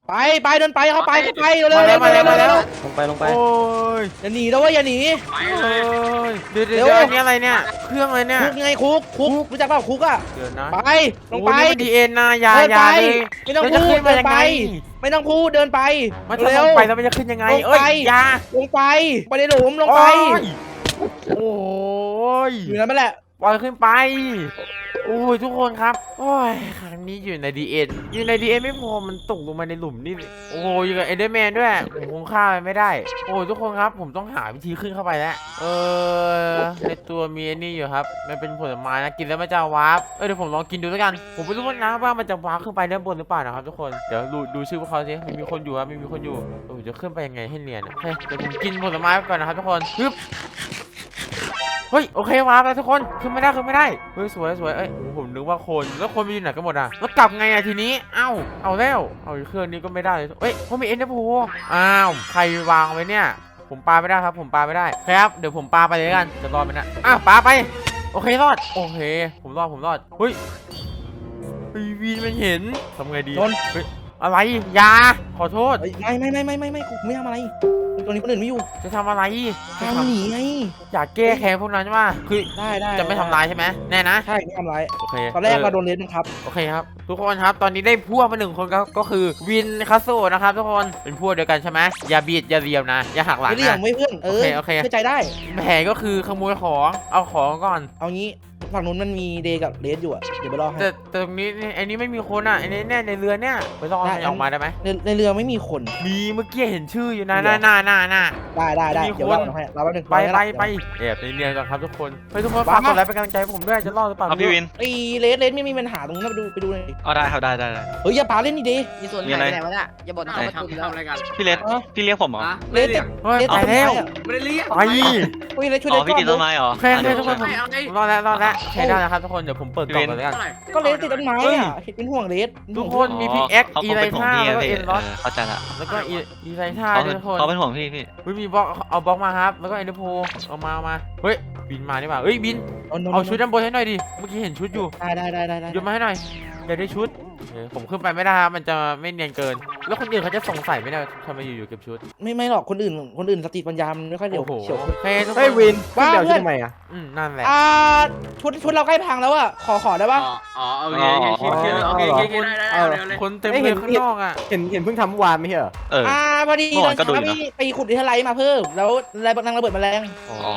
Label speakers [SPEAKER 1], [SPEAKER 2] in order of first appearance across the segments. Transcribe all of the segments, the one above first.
[SPEAKER 1] ไปเดินไปเข้าไปเร็ว
[SPEAKER 2] ลงไป
[SPEAKER 3] โอ้ย
[SPEAKER 1] อย่าหนีแล้วอย่าหนี
[SPEAKER 4] ไป
[SPEAKER 3] โอ้
[SPEAKER 4] เลย
[SPEAKER 3] ยเดี๋ยวอันนี้อะไรเนี่ยเครื่องอะไรเนี่ย
[SPEAKER 1] คุกไงคุกรู้จักเปล่าคุกอ่ะ
[SPEAKER 3] เดี๋ยวนะ
[SPEAKER 1] ไปลงไป
[SPEAKER 3] โอ้นี่มันดีเอ็นนะยา
[SPEAKER 1] เดินไป
[SPEAKER 3] เลย
[SPEAKER 1] ไม่ต้อง
[SPEAKER 3] แล้ว
[SPEAKER 1] พู
[SPEAKER 3] จะ
[SPEAKER 1] ด
[SPEAKER 3] ขึ้น
[SPEAKER 1] เดิ
[SPEAKER 3] มาน ยัง
[SPEAKER 1] ไป
[SPEAKER 3] ไง
[SPEAKER 1] ไม่ต้องพูดเดินไป
[SPEAKER 3] มันจะลงไปแล้วมันจะขึ้นยังไง
[SPEAKER 1] ลงไป
[SPEAKER 3] เอ้ยยา
[SPEAKER 1] ลงไปในหลุมลงไป
[SPEAKER 3] โอ้ย
[SPEAKER 1] อยู่นั่นแหละ
[SPEAKER 3] ปล่อยขึ้นไปโอ้ยทุกคนครับโอ้ยครั้งนี้อยู่ในดีเอ็นไม่พอมันตกลงมาในหลุมนี่โอ้ยอยู่กับเอเดอร์แมนด้วยผมคงฆ่ามันไม่ได้โอ้ยทุกคนครับผมต้องหาวิธีขึ้นเข้าไปแล้วในตัวมีไอ้นี่อยู่ครับมันเป็นผลไม้นะกินแล้วมันจะวาร์ปเดี๋ยวผมลองกินดูแล้วกันผมไม่รู้นะว่ามันจะวาร์ปขึ้นไปด้านบนหรือเปล่านะครับทุกคนเดี๋ยวดูชื่อพวกเขาสิมีคนอยู่ครับมีคนอยู่โอ้ยจะขึ้นไปยังไงให้เนียนเฮ้ยเดี๋ยวผมกินผลไม้ก่อนนะครับทุกคนฮึบเฮ้ยโอเควาร์ปแล้วทุกคนขึ้นไม่ได้เฮ้ยสวยเอ้ยผมนึกว่าคนแล้วคนไปอยู่ไหนกันหมดอ่ะแล้วกลับไงอ่ะทีนี้เอาแล้วเอาเครื่องนี้ก็ไม่ได้เลยเฮ้ยเขามีเอ็นเดอร์โพใครวางไว้เนี่ยผมปาไม่ได้ครับผมปาไม่ได้ครับเดี๋ยวผมปาไปเลยกันจะรอดไหมนะปาไปโอเครอดโอเคผมรอดเฮ้ยวีนมันเห็นทำไงดีเฮ้ยอะไรยาขอโทษ
[SPEAKER 1] ไม่กูไม่ทำอะไรตรงนี้คนอื่นไม่อยู่
[SPEAKER 3] จะทำอะไร
[SPEAKER 1] ทำหนีไง
[SPEAKER 3] อยากแก้แค้นพวกนั้นใช่ไหมคือ
[SPEAKER 1] ได้
[SPEAKER 3] จะไม่ทำร้ายใช่ไหมแน่นะ
[SPEAKER 1] ใช่ไม่ทำร้าย
[SPEAKER 3] โอเค
[SPEAKER 1] ตอนแรกเราโดนเลนครับ
[SPEAKER 3] โอเคครับทุกคนครับตอนนี้ได้พวกมา1 คนก็คือวินคาโซนะครับทุกคนเป็นพวกเดียวกันใช่ไหมอย่าเบียดอย่าเรียวนะอย่าหักหลัง
[SPEAKER 1] ไม่เรียง
[SPEAKER 3] นะ
[SPEAKER 1] ไม่เพื่อน
[SPEAKER 3] โอเค
[SPEAKER 1] เชื่อใจได้
[SPEAKER 3] แผนก็คือขโมยของเอาของก่อน
[SPEAKER 1] เอางี้ฝั่งนู้นมันมีเดย์กับเลสอยู่เดี๋ยวไปรอให้
[SPEAKER 3] แต่ตรงนี้ไอ้นี้ไม่มีคนอ่ะไอ้นี้แน่ในเรือเนี่ยไปรอให้ออกมาได้ไหม
[SPEAKER 1] ในเรือไม่มีคน
[SPEAKER 3] มีเมื่อกี้เห็นชื่ออยู่นะหน้า
[SPEAKER 1] ได้เดี๋ยวเราให้เราแป๊บนึง
[SPEAKER 3] ไปแอบในเนียนก่อนครับทุกคนทุกคนฝากกดไลค์เป็นกำลังใจให้ผมด้วยจะรอดหรือเปล่า
[SPEAKER 2] พี่วิน
[SPEAKER 1] ไอ้เลสไม่มีปัญหาตรงนั้นไปดูหน่อย
[SPEAKER 2] ได้ครับได้
[SPEAKER 1] เฮ้ยอย่าปาเล่นนี่เดย์
[SPEAKER 5] มีส่วนไหนไหนวะเนี่ยอย่าบ่นเขาประตูแล้ว
[SPEAKER 4] ทำอะไรกัน
[SPEAKER 2] พี่เลสพี่เลี้ยงผมเหรอ
[SPEAKER 1] เลส
[SPEAKER 3] เฮ้ยตายแล้ว
[SPEAKER 4] ไม่ได้เรียก
[SPEAKER 3] ไป
[SPEAKER 1] เฮ้ยเลสช่วย
[SPEAKER 2] อ๋
[SPEAKER 1] เล
[SPEAKER 2] อ
[SPEAKER 1] ส
[SPEAKER 2] พี่
[SPEAKER 1] ก่
[SPEAKER 2] ติดต้
[SPEAKER 1] อน
[SPEAKER 2] นไม้เหรอ
[SPEAKER 3] โอเคทุกคนผมรอดแล้วใช้ได้นะครับทุกคนเดี๋ยวผมเปิดกล่องเลยกัน
[SPEAKER 1] ก็เลสติดต้นไม้อ่ะเป็นห่วงเลส
[SPEAKER 3] ทุกคนมีพี่เอ็ก
[SPEAKER 2] เขา
[SPEAKER 3] อี
[SPEAKER 2] คง
[SPEAKER 3] ไล
[SPEAKER 2] เป็นห่วง
[SPEAKER 3] ท่า
[SPEAKER 2] พี่
[SPEAKER 3] แล้วก็
[SPEAKER 2] พี่
[SPEAKER 3] เอ็นล็อต
[SPEAKER 2] เข้าใจละ
[SPEAKER 3] แล้วก็อีไลท่า
[SPEAKER 2] เขา
[SPEAKER 3] ทุกคน
[SPEAKER 2] เป็นห่วงพี่
[SPEAKER 3] มีบล็อกเอาบล็อกมาครับแล้วก็เอ็นเดอร์โพเอามาเฮ้ยบินมาดีกว่าเฮ้ยบินเอาชุดด้านบนให้หน่อยดิเมื่อกี้เห็นชุดอยู่
[SPEAKER 1] ได้
[SPEAKER 3] โยนมาให้หน่อยอยากได้ชุดผมขึ้นไปไม่ได้ครับมันจะไม่เนียนเกินแล้วคนอื่นเขาจะสงสัยไม่ได้ทำไมอยู่ๆเก็บชุด
[SPEAKER 1] ไม่หรอกคนอื่นสติปัญญาไม่ค่อยเร็ว
[SPEAKER 3] โอ้โห
[SPEAKER 1] เฉียว
[SPEAKER 3] โอเคทุกค
[SPEAKER 6] เฮ้ย
[SPEAKER 3] น
[SPEAKER 6] วิน
[SPEAKER 1] ว่า
[SPEAKER 6] เดี๋ยว
[SPEAKER 1] เพื่อน
[SPEAKER 6] ทำไมอ่ะ
[SPEAKER 3] นั่นแหละ
[SPEAKER 1] ชุดเราใกล้พังแล้วอ่ะขอได้ปะ
[SPEAKER 4] อ๋อโอเคโอเคได้
[SPEAKER 3] คนเต็มเลยข้างนอกอ่ะ
[SPEAKER 6] เห็นเพิ่งทำเมื่อวานไม่ใช่เหรอ
[SPEAKER 1] พอดีตอนเช้าพี่ไปขุดดินทลายมาเพิ่มแล้วอะไรนางระเบิดแมลง
[SPEAKER 2] อ๋อ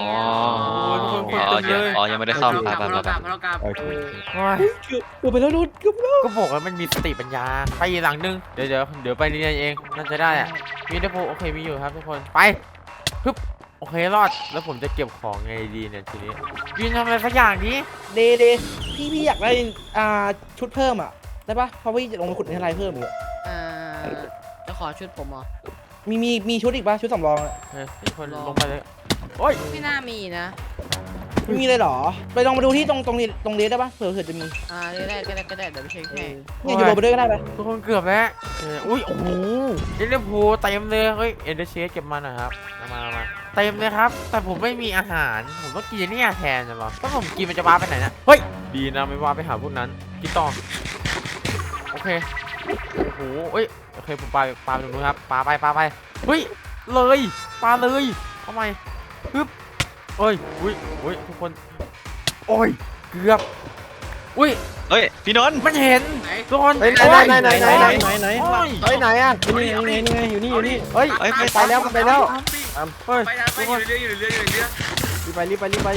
[SPEAKER 2] ยังไม่ได้ซ่อม
[SPEAKER 4] เรา
[SPEAKER 2] ไป
[SPEAKER 4] กลับ
[SPEAKER 2] ไป
[SPEAKER 4] เรา
[SPEAKER 2] ไป
[SPEAKER 4] กลับเรากลับ
[SPEAKER 6] โอเค
[SPEAKER 1] เกือบไปแล้วนู่นเกือบ
[SPEAKER 3] ก็บอกว่ามันมีสติปัญญาไปอีกหลังนึงเดี๋ยวไปเรียนเองน่าจะได้อ่ะมีเดโพโอเคมีอยู่ครับทุกคนไปปึ๊บโอเครอดแล้วผมจะเก็บของไงดีเนี่ยทีนี้ยืนทำอะไรสักอย่างนี้
[SPEAKER 1] เดพี่อยากได้ชุดเพิ่มอ่ะได้ปะเพราะพี่จะลงไปขุดดินทลายเพิ่มอยู่
[SPEAKER 5] จะขอชุดผมเหรอ
[SPEAKER 1] มีชุดอีกปะชุดสำรอง
[SPEAKER 3] ทุกคนลงไปเลยโอ้ย
[SPEAKER 5] ไม่น่ามีนะ
[SPEAKER 1] ไม่มีเลยหรอไปลองมาดูที่ตรงเลสได้ปะเผื่อจะมี
[SPEAKER 5] ก็ได้เดี๋ยวไปเช็คให้
[SPEAKER 1] เนี่ยอยู่บนไปด้วยก็ได้ไป
[SPEAKER 3] ทุกคนเกือบแล้วอุ้ยโอ้โหเอเดอร์โพเต็มเลยเฮ้ยเอเดอร์เชสเก็บมาหน่อยครับมาเต็มเลยครับแต่ผมไม่มีอาหารผมต้องกินนี่แทนใช่ไหมถ้าผมกินมันจะว้าไปไหนนะเฮ้ยดีนะไม่ว้าไปหาพวกนั้นกินต่อโอเคโอ้โหเอ้ยโอเคผมปาไปตรงนู้นครับปาไปเฮ้ยเลยปาเลยทำไมปึ๊บเอ้ยอุ้ยทุกคนโอ้ยเกือบอุ้ย
[SPEAKER 2] เฮ้ยพี่นนท์
[SPEAKER 3] มันเห็นทุกคน
[SPEAKER 6] เฮ้ยไหน
[SPEAKER 3] โอ้ย
[SPEAKER 6] ไหน
[SPEAKER 3] โอ้ย
[SPEAKER 6] เฮ้ยไหนอ่ะนี่ไงอยู่นี่เฮ้ยไปแล้วมันไปแล้ว
[SPEAKER 3] เฮ้ย
[SPEAKER 4] ไปอยู่เรืออยู่เรืออยู่เรือ
[SPEAKER 6] รีบไป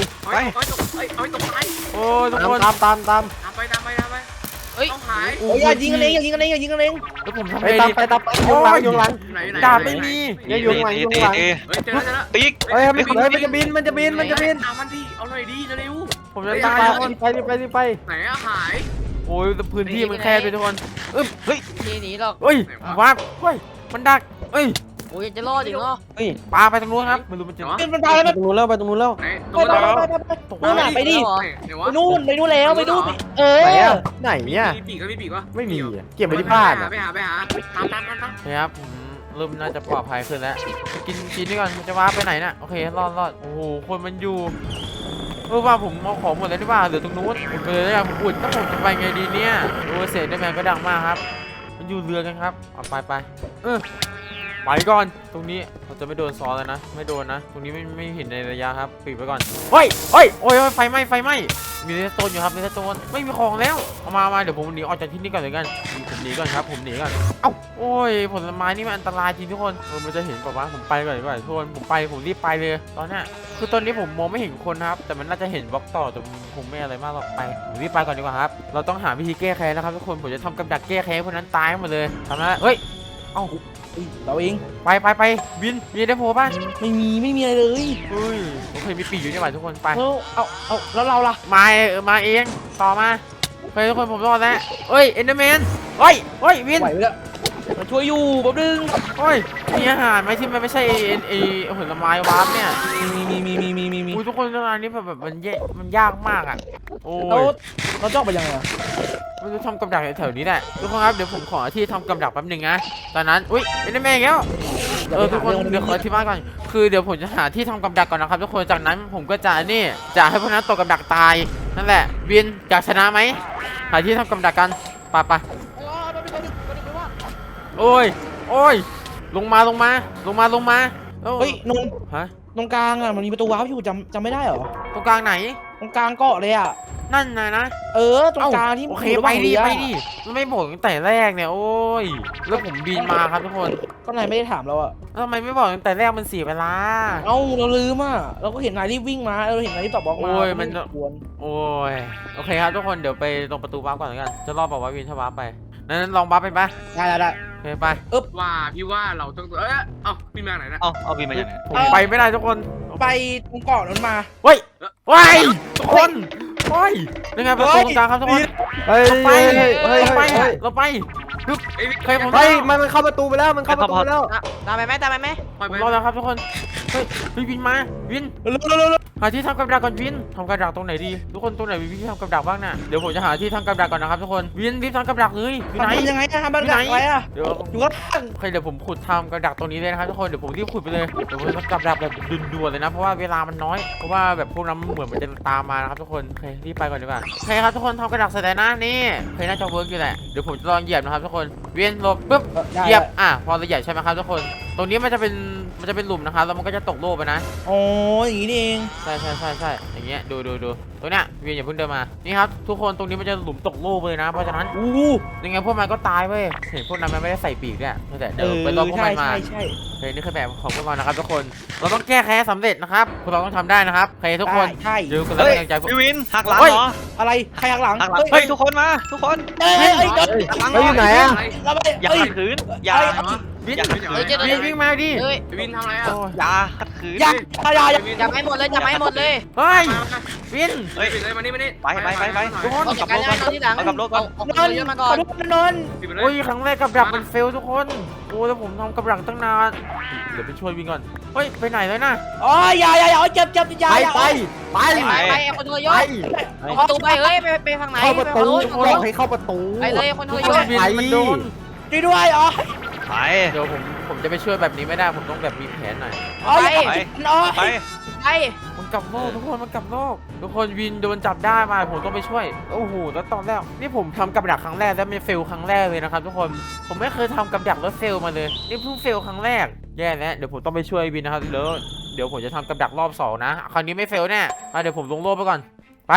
[SPEAKER 4] เอาตกไป
[SPEAKER 3] โอ้ยทุกคน
[SPEAKER 6] ตาม
[SPEAKER 4] ตามไปต้องหาย
[SPEAKER 1] โอ้ยอย่ายิงกันเอง
[SPEAKER 3] แล้วผมทำ
[SPEAKER 6] ไป
[SPEAKER 3] ไง
[SPEAKER 6] ตาม
[SPEAKER 3] ดี
[SPEAKER 6] ไปยุงหลัง
[SPEAKER 4] ไหน
[SPEAKER 3] ดาบไม่มี
[SPEAKER 6] ยุงหลัง
[SPEAKER 4] เจอแล้ว
[SPEAKER 2] ปีก
[SPEAKER 6] เฮ้ยมันจะบิน
[SPEAKER 4] เอามันดิเอาหน่อยดิเร็ว
[SPEAKER 3] ผมจะ
[SPEAKER 6] ไป
[SPEAKER 3] ตายทุกคน
[SPEAKER 6] ไป
[SPEAKER 4] ไหนอะหาย
[SPEAKER 3] โอ้ยพื้นที่มันแคบไปทุกคน
[SPEAKER 5] ทีหนีหรอก
[SPEAKER 3] เฮ้ยว้าเฮ้ยมันดักเฮ้ย
[SPEAKER 5] โอ้ยจะรอดอีกเหรอ
[SPEAKER 3] ปาไปตรงนู้นครับไม่รู้มันจะ
[SPEAKER 1] มันไปแล้ว
[SPEAKER 6] ไปตรงนู้นแล้ว
[SPEAKER 4] ไหนตรงนั้น
[SPEAKER 1] นู่นน่ะไปดิ
[SPEAKER 4] เดี๋ยว
[SPEAKER 1] ไป
[SPEAKER 4] วะ
[SPEAKER 1] นู่นแล้วไปดูไหน
[SPEAKER 6] เนี่ย
[SPEAKER 4] มีปีกก็มีปีกวะ
[SPEAKER 6] ไม่มีเก็บไว้ที่บ้าน
[SPEAKER 4] ไปหาตาม
[SPEAKER 3] ครับผมเริ่มน่าจะปลอดภัยขึ้นแล้วกินนี่ก่อนมันจะว้าไปไหนน่ะโอเครอดโอ้โหคนมันอยู่ว่าผมเอาของหมดแล้วหรือเปล่าเหลือตรงนู้นผมไปเลยผมอุดถ้าผมจะไปไงดีเนี่ยโอ้เศษได้แมนก็ดังมากครับมันอยู่อยู่เรือกันครับเอาไปไปก่อนตรงนี้เราจะไม่โดนซ้อนแล้วนะไม่โดนนะตรงนี้ไม่เห็นในระยะครับปิดไปก่อนเฮ้ยโอ้ยไฟไหม้มีเรสโตนอยู่ครับเรสโตนไม่มีของแล้วเอามาเดี๋ยวผมหนีออกจากที่นี่ก่อนเลยกันผมหนีก่อนครับผมหนีก่อนเอ้าโอ้ยผลไม้นี่มันอันตรายจริงทุกคนมันจะเห็นป่าววะผมไปก่อนดีกว่าทุกคนผมรีบไปเลยตอนเนี้ยคือตอนนี้ผมมองไม่เห็นคนครับแต่มันน่าจะเห็นบล็อกต่อแต่คงไม่อะไรมากหรอกผมรีบไปก่อนดีกว่าครับเราต้องหาวิธีแก้แค้นนะครับทุกคนผมจะทำกับดักแก้แค้นคนนั้นตายหมดเลยทำนะเฮ้ยเอ้า
[SPEAKER 1] เราเอง
[SPEAKER 3] ไปบินได้โผล่ป่ะ
[SPEAKER 1] ไม่มีอะไรเลย
[SPEAKER 3] เฮ้ยโอเคมีปีกอยู่นี่หว่าทุกคนไป
[SPEAKER 1] เอาแล้วเราล่ะ
[SPEAKER 3] มาเองต่อมาไปทุกคนผมรอดแล้วเอ้ยเอนเดอร์แมนเฮ้ยวิน
[SPEAKER 1] ไหวไปแล้วมาช่วยอยู่แป๊บนึง
[SPEAKER 3] เฮ้ยมีอาหารไหมที่มันไม่ใช่ผลไม้วาร์ปเนี่ย
[SPEAKER 1] มี
[SPEAKER 3] อุ้ยทุกคนเวลานี้แบบมันยากมากอ่ะโอ้
[SPEAKER 1] เรา
[SPEAKER 3] ย
[SPEAKER 1] เราจะออกไปยังไง
[SPEAKER 3] ไม่รู้ทำกับดักแถวนี้แหละทุกคนครับเดี๋ยวผมขอที่ทำกับดักแป๊บนึงนะตอนนั้นอุ้ยเอนเดอร์แมนแล้วทุกคนเดี๋ยวขอที่บ้านก่อนคือเดี๋ยวผมจะหาที่ทำกับดักก่อนนะครับทุกคนจากนั้นผมก็จะนี่จะให้พวกนั้นตกกับดักตายนั่นแหละวินอยากชนะไหมหาที่ทำกับดักกันไปโอ้ยลงมาเ
[SPEAKER 1] เฮ้ยนน
[SPEAKER 3] ฮะ
[SPEAKER 1] ตรงกลางอ่ะมันมีประตูวาร์ปอยู่จำไม่ได้เหรอ
[SPEAKER 3] ตรงกลางไหน
[SPEAKER 1] ตรงกลางเกาะเลยอ่ะ
[SPEAKER 3] นั่นนะ
[SPEAKER 1] ตรงกลางที่
[SPEAKER 3] โอเค
[SPEAKER 1] ยู่ระห
[SPEAKER 3] ไป
[SPEAKER 1] ว่าง
[SPEAKER 3] ดิ
[SPEAKER 1] เรือ
[SPEAKER 3] มันไม่บอกตั้งแต่แรกเนี่ยโอ้ยแล้วผมบินมาครับทุกคน
[SPEAKER 1] ก็นายไม่ได้ถามเราอ่ะ
[SPEAKER 3] แล้วทำไมไม่บอกตั้งแต่แรกมันเสียเวลา
[SPEAKER 1] เราลืมอ่ะเราก็เห็นนายรีบวิ่งมาเราเห็นนายรีบตอบบล็อกมา
[SPEAKER 3] โอ้ยมัน
[SPEAKER 1] ควร
[SPEAKER 3] โอ้ยโอเคครับทุกคนเดี๋ยวไปตรงประตูวาร์ปก่อนแล้วกันจะรอบบอกว่าวินถ้าวาร์ปไปนั้นลองวาร์ปไปปะ
[SPEAKER 1] ได้
[SPEAKER 3] โอเคไป
[SPEAKER 4] ว่าพี่ว่าเราต้องพี่มาไหนนะ
[SPEAKER 2] เอาบินมาจากไหน
[SPEAKER 3] ผมไปไม่ได้ทุกคน
[SPEAKER 1] ไปตรงเกาะนั้นมา
[SPEAKER 3] เฮ้ยทุกคนยังไงประตูตรงกลางครับทุกคน
[SPEAKER 6] เฮ้ย
[SPEAKER 3] เราไป
[SPEAKER 4] ไอ้
[SPEAKER 3] ใครผม
[SPEAKER 6] เฮ้ยมันเข้าประตูไปแล้วมันเข้าประตูไปแล้ว
[SPEAKER 5] ตามไปไหม
[SPEAKER 4] ปล่อย
[SPEAKER 3] ผ
[SPEAKER 4] ไป
[SPEAKER 3] มรอแล้วครับทุกคนเฮ้ยวินมาวิน
[SPEAKER 1] เร็ว
[SPEAKER 3] หาที่ทำกับดักก่อนวินทำกับดักตรงไหนดีทุกคนตรงไหนมีที่ทำกับดักบ้างน่ะเดี๋ยวผมจะหาที่ทำกับดักก่อนนะครับทุกคนวินรีบทำกับดักเลยอยู่ไหน
[SPEAKER 1] ทำยังไงทำแบบอะไรอ่ะ
[SPEAKER 3] เดี๋ยว
[SPEAKER 1] อยู่ข้างล่าง
[SPEAKER 3] โอเคเดี๋ยวผมขุดทำกับดักตรงนี้เลยนะครับทุกคนเดี๋ยวผมรีบขุดไปเลยเดี๋ยวผมจะทำกับดักแบบด่วนๆเลยนะเพราะว่าเวลามันน้อยเพราะว่าแบบพวกนั้นเหมือนมันจะตามมานะครับทุกคนโอเครีบไปก่อนดีกว่าโอเคครับทุกคนทำกับดักเสร็จแล้วนะนี่โอเคน่าจะเวิร์กอยู่แหละเดี๋ยวผมจะลองเหยียบนะครับทุกคนเวียนหลบปุ๊บเหยียบพอเราเหยียบใช่ไหมครับทุกคนตรงนี้มันจะเป็นหลุมนะครับแล้วมันก็จะตกโลกไปนะ
[SPEAKER 1] โอ้ยอย่างนี้นี่เอง
[SPEAKER 3] ใช่อย่างเงี้ยดูตรงเนี้ยเวียนอย่าเพิ่งเดินมานี่ครับทุกคนตรงนี้มันจะหลุมตกโลกเลยนะเพราะฉะนั้นยังไงพวกมันก็ตายเว้ยเห็นพวกนั้นมันไม่ได้ใส่ปีกด้วยแต่เดี๋ยวไปรอพวกมันมา
[SPEAKER 1] ใช่
[SPEAKER 3] โอเคนี่คือแบบของพวกเรานะครับทุกคนเราต้องแก้แค้นสำเร็จนะครับพวกเราต้องทำได้นะครับโอเคทุกคน
[SPEAKER 1] ใช่
[SPEAKER 3] ดูกันแล้วเป็นกำลังใจพวก
[SPEAKER 2] พี่วินหักหลังเหรอ
[SPEAKER 1] อะไรใครหักหลัง
[SPEAKER 2] หักหลังเฮ้ยทุกคนมาทุกคน
[SPEAKER 1] เฮ้ย
[SPEAKER 2] หักหลัง
[SPEAKER 6] เฮ้ยอยู่ไหนอะ
[SPEAKER 1] เราไป
[SPEAKER 2] อย่าขัดขืนอย่า
[SPEAKER 3] วิน
[SPEAKER 2] อย่าขัดขืน
[SPEAKER 3] วิ่งมาดิ
[SPEAKER 5] เฮ้ย
[SPEAKER 4] วินทำอะไรอ่ะ
[SPEAKER 3] โอ้ย
[SPEAKER 2] อย่าขัดขืน
[SPEAKER 1] อย่า
[SPEAKER 5] จับให้หมดเลย
[SPEAKER 3] เฮ้ยวิน
[SPEAKER 4] เฮ้ยเลยมานี่
[SPEAKER 2] ไป
[SPEAKER 3] ทุกคน
[SPEAKER 5] เอาจัดการให้ตอนที่หลัง
[SPEAKER 2] เอากับโลกก่อน
[SPEAKER 5] เอา
[SPEAKER 1] นอน
[SPEAKER 5] เยอะมา
[SPEAKER 1] ข
[SPEAKER 5] ก่อ
[SPEAKER 1] อน โทษนน
[SPEAKER 3] โอ้ยครั้งแรกกับดักมันเฟลทุกคนโอ้แล้วผมทำกับดักตั้งนานเดี๋ยวไปช่วยวินก่อนเฮ้ยไปไหนแล้วนะ
[SPEAKER 1] อ๋ออย่าเจ็บอย่า
[SPEAKER 5] ไปคนทรยศเอาประตูไปเฮ้ยไปทางไหน
[SPEAKER 6] เข้าประตู
[SPEAKER 5] ไป
[SPEAKER 6] บอกให้เข้าประตู
[SPEAKER 5] ไปเลยคนทรยศ
[SPEAKER 3] วินมันโดน
[SPEAKER 1] ด้วยอ๋อ
[SPEAKER 2] ไป
[SPEAKER 3] เดี๋ยวผมจะไปช่วยแบบนี้ไม่ได้ผมต้องแบบมีแผนหน่อย
[SPEAKER 2] ไป
[SPEAKER 5] ไป
[SPEAKER 3] มันกลับโลกทุกคนมันกลับโลกทุกคนวินโดนจับได้มาผมต้องไปช่วยโอ้โหแล้วตอนแรกนี่ผมทำกับดักครั้งแรกแล้วมันเฟลครั้งแรกเลยนะครับทุกคนผมไม่เคยทำกับดักแล้วเฟลมาเลยนี่เพิ่งเฟลครั้งแรกแย่แล้วเดี๋ยวผมต้องไปช่วยวินนะครับเดี๋ยวผมจะทำกับดักรอบ2นะคราวนี้ไม่เฟลแน่เดี๋ยวผมลงโลกไปก่อนไป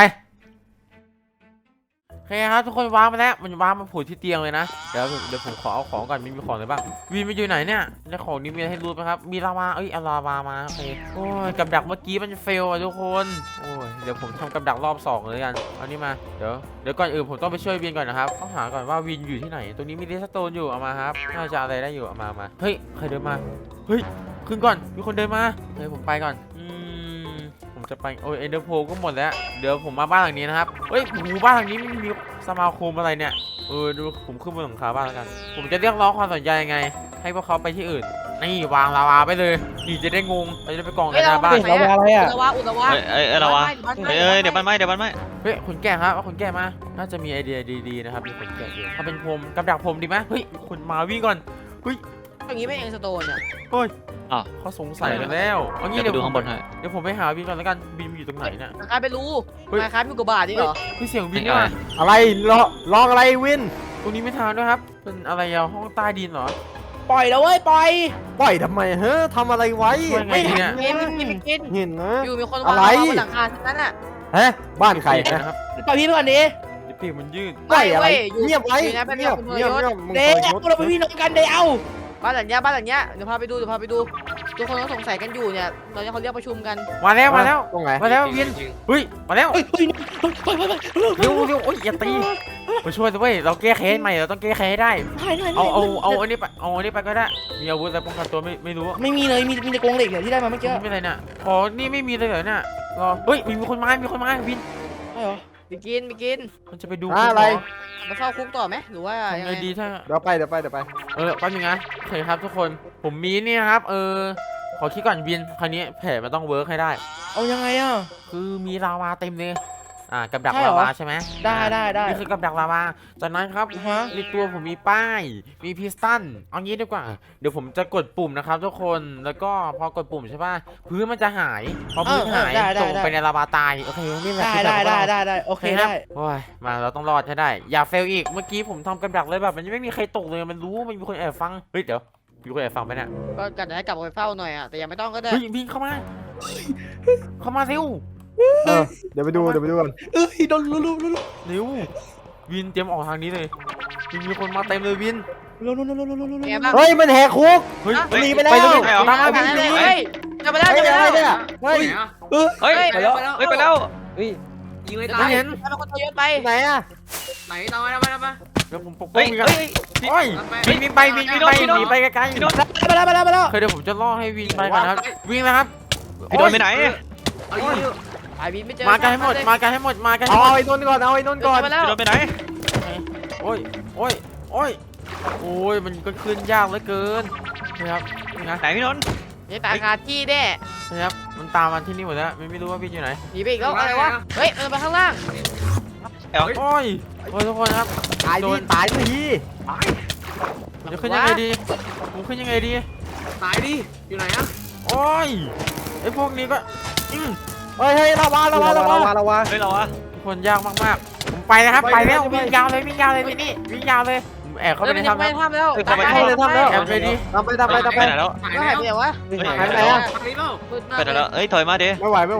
[SPEAKER 3] โอเคครับทุกคนวางมาแล้วมันวางมาผูกที่เตียงเลยนะเดี๋ยวผมขอเอาของก่อนมีของอะไรบ้างวินมันอยู่ไหนเนี่ยในของนี้มีอะไรให้รู้ไหมครับมีลาวาเอาลาวามาโอเคโอ้ยกับดักเมื่อกี้มันเฟลอ่ะทุกคนโอ้ยเดี๋ยวผมทำกับดักรอบ2เลยกันเอานี่มาเดี๋ยวก่อนอื่นผมต้องไปช่วยวินก่อนนะครับต้องหาก่อนว่าวินอยู่ที่ไหนตรงนี้มีเรสโตนอยู่เอามาครับน่าจะอะไรได้อยู่เอามาเฮ้ยใครเดินมาเฮ้ยขึ้นก่อนมีคนเดินมาเฮ้ยผมไปก่อนผมจะไปโอ้ยเอ็นเดอร์โพก็หมดแล้วเดี๋ยวผมมาบ้านหลังนี้นะครับเฮ้ยบ้านหลังนี้มีสมาคมอะไรเนี่ยดูผมขึ้นบนหลังคาบ้านแล้วกันผมจะเรียกร้องความสนใจยังไงให้พวกเขาไปที่อื่นนี่วางลาวาไปเลยนี่จะได้งงจะได้ไปกองกันหน้าบ้าน
[SPEAKER 1] เราอะไรอ่ะ
[SPEAKER 5] อุตวะ
[SPEAKER 2] เราวะเดี๋ยวมันไหม
[SPEAKER 3] เฮ้ยคนแก่ครับเอาคนแก่มาน่าจะมีไอเดียดีๆนะครับมีคนแก่อยู่ถ้าเป็นพรมกับดักพรมดีไหมเฮ้ยคนมาวิ่งก่อนเฮ้ย
[SPEAKER 5] อย่างนี้ไม่เองสโตนเนี่ย
[SPEAKER 3] เขาสงสัยกันแล้วเอางี้
[SPEAKER 2] เดี๋ยวดูข้างบนให้
[SPEAKER 3] เดี๋ยวผมไปหาวินก่อนแล้วกันวินอยู่ตรงไหนเนี่ย
[SPEAKER 5] คล้ายไปรู้คล้ายมีกบาทนี่เหรอ
[SPEAKER 3] คือเสียงวินนี่มา
[SPEAKER 6] อะไรลองอะไรวิน
[SPEAKER 3] ตรงนี้ไม่ทางด้วยครับเป็นอะไรอะห้องใต้ดินเหรอ
[SPEAKER 1] ปล่อยแล้วเว้ยปล่อย
[SPEAKER 6] ปล่อยทำไมเฮ้ยทำอะไรไว้
[SPEAKER 3] ช่วยไงดีเนี่ย
[SPEAKER 5] กิน
[SPEAKER 6] เห็นนะ
[SPEAKER 5] อยู่มีคน
[SPEAKER 6] อะไร
[SPEAKER 5] วางบนหลังคาทั้งนั้นอ่ะ
[SPEAKER 6] ฮะบ้านใคร
[SPEAKER 3] นะครับ
[SPEAKER 1] ปล่อยพี่ไปก่อนดิ
[SPEAKER 3] เดี๋ยวปีกมันยืด
[SPEAKER 6] ปล่อยอะไร
[SPEAKER 5] อยู่
[SPEAKER 6] เงียบไว้
[SPEAKER 5] อยู่นะเป็น
[SPEAKER 6] เงียบ
[SPEAKER 5] คุณ
[SPEAKER 6] เงียบ
[SPEAKER 5] ยศ
[SPEAKER 6] เงียบมึง
[SPEAKER 1] เด็ก
[SPEAKER 6] ปล่อย
[SPEAKER 1] เราเป็นพี่น้องกันเดี๋ยว
[SPEAKER 5] บ้านหลังเนี้ยเดี๋ยวพาไปดูทุกคนก็สงสัยกันอยู่เนี่ยตอนนี้เขาเรียกประชุมกัน
[SPEAKER 3] มาแล้วมาแล้ว
[SPEAKER 6] ตรงไหน
[SPEAKER 3] มาแล้ววินเฮ้ยมาแล้ว
[SPEAKER 1] เฮ้ยเฮ้ยปล่อย
[SPEAKER 3] เร็วเร็วโอ้ยอย่าตีมาช่วยด้วยเราแก้แค้นใหม่เราต้องแก้แค้นให้ได้ เอาอันนี้ไปเอาอันนี้ไปก็ได้มีอาวุธอะไรป้องกันตัวไม่รู้
[SPEAKER 1] ไม่มีเลยมีแต่กรงเหล็กเนี่ยที่ได้มาเมื่อกี้
[SPEAKER 3] ไม่เป็นไรเนี่ยขอนี่ไม่มีเลยเหรอเนี่ยรอเฮ้ยมีคนมาวิน
[SPEAKER 1] ใช่เหรอ
[SPEAKER 5] ไปกิน
[SPEAKER 3] มันจะไปดู
[SPEAKER 6] อะไร
[SPEAKER 5] มาเฝ้าคุกต่อไหมหรือว่ายัง
[SPEAKER 3] ไง
[SPEAKER 5] ไง
[SPEAKER 3] ดีถ้า
[SPEAKER 6] เดี๋ยวไป
[SPEAKER 3] แป๊บนึงนะโอเคครับทุกคนผมมีนี่นะครับขอคิดก่อนวินคราวนี้แผนมันต้องเวิร์กให้ได้
[SPEAKER 1] เอายังไงอ่ะ
[SPEAKER 3] คือมีลาวาเต็มเลยกับดัก
[SPEAKER 1] ใช่เหรอ
[SPEAKER 3] ลาวาใช่ไหม
[SPEAKER 1] ได้
[SPEAKER 3] นี่คือกับดักลาวาจากนั้นครับ
[SPEAKER 1] ฮะ
[SPEAKER 3] ในตัวผมมีป้ายมีพิสตันเอางี้ดีกว่าเดี๋ยวผมจะกดปุ่มนะครับทุกคนแล้วก็พอกดปุ่มใช่ป่ะพื้นมันจะหายพอพื้นหายตกไปในลาวาตายโอเคนี่แหละคือแบบว่า
[SPEAKER 1] ได้โอเค
[SPEAKER 3] ค
[SPEAKER 1] ได้
[SPEAKER 3] รับโอ้ยมาเราต้องรอดให้ได้อย่าเฟลอีกเมื่อกี้ผมทำกับดักเลยแบบมันยังไม่มีใครตกเลยมันรู้มันมีคนแอบฟังเฮ้ยเดี๋ยวมีคนแอบฟังไปเนี่ย
[SPEAKER 5] ก็กันให้กลับไปเฝ้าหน่อยอ่ะแต่ยังไม่ต้องก็ได้
[SPEAKER 3] เฮ้ยวิ่งเข้ามาเร็ว
[SPEAKER 6] เดี๋ยวไปดูกัน
[SPEAKER 1] เอ้ยโดนลุ
[SPEAKER 3] เร็ววินเตรียมออกทางนี้เลยมีคนมาเต็มเลยวิน
[SPEAKER 5] ไงบ้าง
[SPEAKER 6] เฮ้ยมันแหกคุก
[SPEAKER 3] เฮ้ย
[SPEAKER 6] หนีไปแล้ว
[SPEAKER 3] ไปเลย
[SPEAKER 2] ไม่เอา
[SPEAKER 3] ตามมา
[SPEAKER 5] ไป
[SPEAKER 3] วิน
[SPEAKER 5] เลย
[SPEAKER 3] วิน
[SPEAKER 5] เฮ้ยจะไปแล้ว
[SPEAKER 6] เฮ้ยอะไรเนี่ยเฮ้ย
[SPEAKER 2] เฮ้ย
[SPEAKER 5] ไปแล้ว
[SPEAKER 2] เฮ้ยไปแล้ว
[SPEAKER 6] เฮ้ย
[SPEAKER 4] ยิงไม่
[SPEAKER 5] ไป
[SPEAKER 4] ตาย
[SPEAKER 3] เห็น
[SPEAKER 5] แล้วคนทยศไป
[SPEAKER 6] ไหนอะ
[SPEAKER 4] ไหนตามไป
[SPEAKER 3] เดี๋ยวผมปกป้
[SPEAKER 2] เฮ้
[SPEAKER 3] อง
[SPEAKER 2] ย
[SPEAKER 3] วินกัน
[SPEAKER 2] เฮ้ย
[SPEAKER 3] โอ้ยวิ่งไปหนีไปไกลๆ
[SPEAKER 2] พี่โดน
[SPEAKER 1] ไปแล้ว
[SPEAKER 3] เคยเดี๋ยวผมจะล่อให้วิ่งไปก่อนนะครับวิ่งนะครับ
[SPEAKER 2] พี่โดนไปไหน
[SPEAKER 4] เอาอยู่
[SPEAKER 5] ไอ้บินไม่เจอ
[SPEAKER 3] มากันให้หมดมากันให้หมด
[SPEAKER 6] เอาไอ้นนท์ก่อนเอาไอ้นนท์ก่อน
[SPEAKER 5] ไปแล้ว
[SPEAKER 2] พี่โดนไปไหน
[SPEAKER 3] โอ้ยมันก็ขึ้นยากเหลือเกินนะครับนี่นะ
[SPEAKER 2] ไหนพี่นนท์
[SPEAKER 5] นี่ตายคาที่แน่
[SPEAKER 3] นะครับมันตามมาที่นี่หมดแล้วไม่รู้ว่าพี่อยู่ไหน
[SPEAKER 5] หนีไปอีกแล้วอะไรวะเฮ้ยมันไปข้างล่าง
[SPEAKER 3] โอ้ยทุกคนครับ
[SPEAKER 6] ตายดิตายที
[SPEAKER 3] ผมจะขึ้นยังไงดีผมขึ้นยังไงดี
[SPEAKER 4] ตายดิอยู่ไหนอะ
[SPEAKER 3] โอ้ยไอ้พวกนี้ก็
[SPEAKER 6] เฮ้ยระวัง
[SPEAKER 2] เฮ้ยเราอะ
[SPEAKER 3] ทุกคนยากมากๆผมไปนะครับไปแล้ววิ่งยาวเลยพี่นี่วิ่งยาวเลยผมแอบเข้าไปในถ้ำ
[SPEAKER 5] ไม่
[SPEAKER 3] แล้ว
[SPEAKER 5] ทำแล้ว
[SPEAKER 6] ทำแล้ว
[SPEAKER 3] แอบไปดิ
[SPEAKER 6] ทำไป
[SPEAKER 2] ไปไหนแล้ว
[SPEAKER 5] ก็หายไปไหนวะ
[SPEAKER 6] หายไปไหนอะ
[SPEAKER 4] ทางนี้เปล่า
[SPEAKER 5] มืดมาก
[SPEAKER 2] ไปไหนแล้วเอ้ยถอยมาดิ
[SPEAKER 6] ไม่ไหว
[SPEAKER 4] เดี๋ยว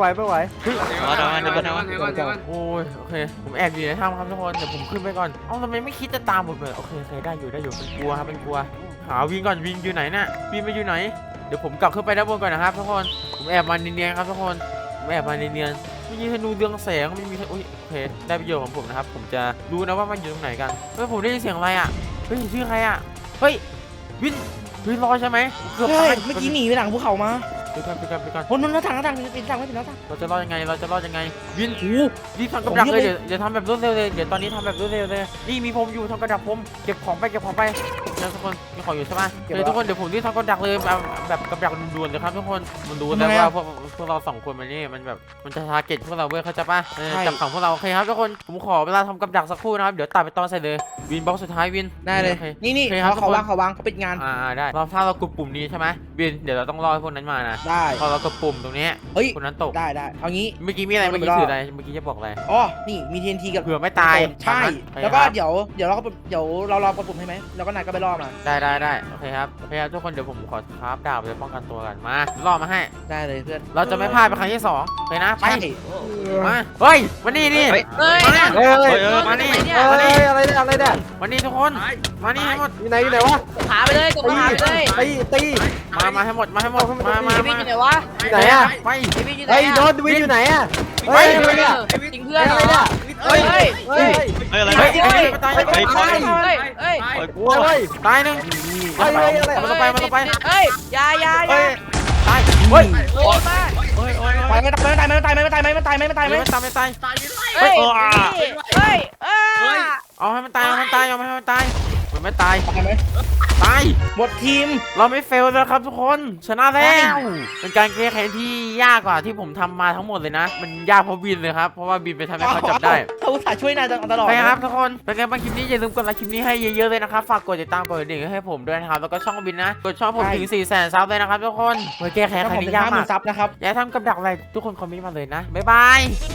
[SPEAKER 4] ก่อน
[SPEAKER 3] โอ้ยโอเคผมแอบอยู่ในถ้ำครับทุกคนเดี๋ยวผมขึ้นไปก่อนเอ้าทำไมไม่คิดจะตามผมเลยโอเคได้อยู่เป็นกลัวครับเป็นกลัวหาวิ่งก่อนวิ่งอยู่ไหนน่ะวิ่งไปอยู่ไหนเดี๋ยวผมกลับขึ้นไปด้านบนก่อนนะครับทุกคนผมแอบมาเนียนๆครับทุกคนผมแอบมาเนียนๆไม่มีธนูเรืองแสงไม่มีอุ้ยโอเคได้ประโยชน์ของผมนะครับผมจะรู้นะว่ามันอยู่ตรงไหนกันเฮ้ยผมได้ยินเสียงอะไรอ่ะเฮ้ยชื่อใครอ่ะเฮ้ยวินรอใช่ไหมเกือบ
[SPEAKER 1] ใช่
[SPEAKER 3] ตาย
[SPEAKER 1] เมื่อกี้หนีไปหลังภูเขามา
[SPEAKER 3] ไปก่อน
[SPEAKER 1] คนนั้นหน้าต่างเป็นหน้าต่าง
[SPEAKER 3] เราจะรอดยังไงวินรีบทำกระดักเลยเดี๋ยวทำแบบรวดเร็วเลยเดี๋ยวตอนนี้ทำแบบรวดเร็วเลยนี่มีผมอยู่ทำกระดักผมเก็บของไปนะทุกคนมีของอยู่ใช่ไหมทุกคนเดี๋ยวผมรีบทำกระดักเลยแบบกระดักด่วนๆเลยครับทุกคนมันรู้แล้วว่าพวกเราสองคนมันนี่มันแบบมันจะทาร์เก็ตพวกเราเว้ยเขาใจป่ะจับของพวกเราโอเคครับทุกคนผมขอเวลาทำกระดักสักครู่นะครับเดี๋ยวตัดไปตอนใส่เลยวินบล็อกสุดท้ายวิน
[SPEAKER 1] ได้เลยนี่เขาวางเขาปิดงาน
[SPEAKER 3] ได้ถ้าเรากดปุ่มนี้ใช่ไหมวินเดี๋ยวเราต้องรอให้พวกนั้นมานะ
[SPEAKER 1] ได้
[SPEAKER 3] พอเรากดปุ่มตรงนี้
[SPEAKER 1] เฮ้ย
[SPEAKER 3] คนนั้นตก
[SPEAKER 1] ได้เอางี้
[SPEAKER 3] เมื่อกี้มีอะไรเมื่อกี้ถืออะไรเมื่อกี้จะบอกอะไร
[SPEAKER 1] อ๋อนี่มี TNT กับ
[SPEAKER 3] เผื่อไม่ตาย
[SPEAKER 1] ใช่แล้วก็เดี๋ยวเรารอกดปุ่มให้ไหมแล้วก็นายก็ไปล่อมา
[SPEAKER 3] ได้โอเคครับทุกคนเดี๋ยวผมขอคราฟดาบไปป้องกันตัวกันมาล่อมาให้
[SPEAKER 1] ได้เลยเพื่อน
[SPEAKER 3] เราจะไม่พลาดไปครั้งที่2เลยนะไป
[SPEAKER 1] ใช่
[SPEAKER 3] มาเฮ้ยมานี่
[SPEAKER 5] เฮ้ย
[SPEAKER 3] มานี่
[SPEAKER 6] อะไรเนี่ยอะไรเนี่ย
[SPEAKER 3] มานี่ทุกคน
[SPEAKER 4] ตาย
[SPEAKER 3] มานี่ให้หมด
[SPEAKER 6] อยู่ไหนวะ
[SPEAKER 5] ขาไปเลยตกขาไปเลย
[SPEAKER 6] ตี
[SPEAKER 3] มาให้หมดมา
[SPEAKER 5] ไอ้บินอยู่ไหนวะ
[SPEAKER 6] ไหนอะ
[SPEAKER 3] ไป
[SPEAKER 5] ไอ้บินอยู่ไหน
[SPEAKER 6] เฮ้ยโดนวินอยู่ไหนอะเฮ้ยอะไรเนี่ย
[SPEAKER 5] จริงเพื่อนเหรอ
[SPEAKER 6] เฮ้ย
[SPEAKER 5] เฮ้ย
[SPEAKER 6] เฮ้ย
[SPEAKER 2] เฮ้ยอะไร
[SPEAKER 3] เฮ้ย
[SPEAKER 2] เ
[SPEAKER 3] ตาย
[SPEAKER 2] ฮ้ย
[SPEAKER 5] เฮ้ยเฮ้ย
[SPEAKER 2] ปล่อยกู
[SPEAKER 6] เฮ้ย
[SPEAKER 3] ตายหนึ่ง
[SPEAKER 6] เฮ้ยอะไร
[SPEAKER 3] มันต้องไป
[SPEAKER 5] เฮ้ยยา
[SPEAKER 2] เฮ้ย
[SPEAKER 3] ตายเฮ้ย
[SPEAKER 5] โอ้ยมาก
[SPEAKER 2] เฮ้ย
[SPEAKER 1] ไม่ตาย
[SPEAKER 3] ไม่ตาย
[SPEAKER 5] เฮ้ย
[SPEAKER 4] ตายไป
[SPEAKER 5] เฮ้ยเฮ้ย
[SPEAKER 3] เอาให้มันตายเอาให้มันตายมันไม่ตาย
[SPEAKER 1] ตายไหม
[SPEAKER 3] ตาย
[SPEAKER 1] หมดทีม
[SPEAKER 3] เราไม่เฟลแล้วครับทุกคนชนะแล้วเป็นการแก้แค้นที่ยากกว่าที่ผมทำมาทั้งหมดเลยนะ มันยากเพราะบินเลยครับเพราะว่าบินไปทำให้เขาจับได้
[SPEAKER 1] เขาอุตส่าห์ช่วยนายตลอด
[SPEAKER 3] ไปครับทุกคนเป็นไงบ้างคลิปนี้อย่าลืมกดไลค์คลิปนี้ให้เยอะๆเลยนะครับฝากกดติดตามกดกระดิ่งให้ผมด้วยนะครับแล้วก็ช่องบินนะกดช่องผมถึง 400,000 ซับเลยนะครับทุกคนเพื่อแก้แค้น
[SPEAKER 1] ถ้า
[SPEAKER 3] ครั้
[SPEAKER 1] ผม
[SPEAKER 3] ง
[SPEAKER 1] เป็
[SPEAKER 3] นี้
[SPEAKER 1] น
[SPEAKER 3] ยาก
[SPEAKER 1] 50,000
[SPEAKER 3] มาก
[SPEAKER 1] ซับนะครับ
[SPEAKER 3] อย่าทำกับดักอะไรทุกคนคอมเมนต์มาเลยนะบ๊ายบาย